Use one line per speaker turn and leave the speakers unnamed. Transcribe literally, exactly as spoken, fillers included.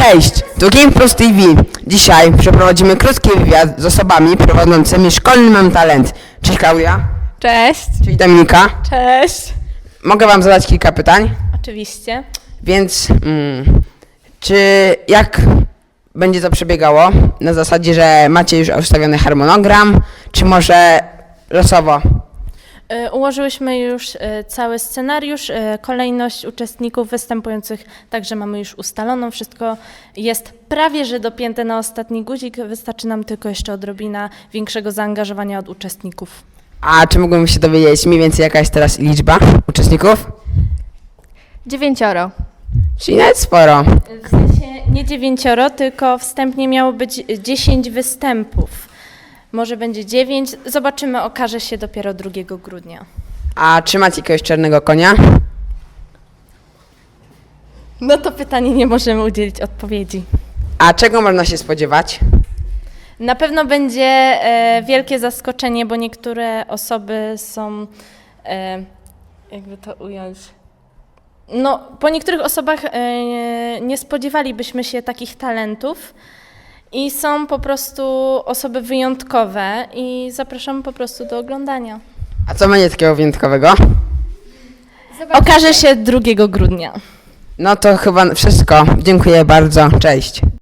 Cześć, tu Game Plus T V. Dzisiaj przeprowadzimy krótki wywiad z osobami prowadzącymi szkolny Mam Talent. Cześć Klaudia.
Cześć.
Cześć Dominika.
Cześć.
Mogę wam zadać kilka pytań,
Oczywiście.
więc mm, czy jak będzie to przebiegało? Na zasadzie, że macie już ustawiony harmonogram, czy może losowo?
Y, Ułożyłyśmy już y, cały scenariusz, y, kolejność uczestników występujących, także mamy już ustaloną. Wszystko jest prawie że dopięte na ostatni guzik. Wystarczy nam tylko jeszcze odrobina większego zaangażowania od uczestników.
A czy mógłbym się dowiedzieć mniej więcej jaka jest teraz liczba uczestników?
Dziewięcioro.
Czyli nawet sporo.
W sensie nie dziewięcioro, tylko wstępnie miało być dziesięć występów. Może będzie dziewięć. Zobaczymy, okaże się dopiero drugiego grudnia.
A czy macie jakiegoś czarnego konia?
No to pytanie nie możemy udzielić odpowiedzi.
A czego można się spodziewać?
Na pewno będzie e, wielkie zaskoczenie, bo niektóre osoby są, e, jakby to ująć, no po niektórych osobach e, nie spodziewalibyśmy się takich talentów i są po prostu osoby wyjątkowe i zapraszam po prostu do oglądania.
A co będzie takiego wyjątkowego?
Okaże się drugiego grudnia.
No to chyba wszystko. Dziękuję bardzo. Cześć.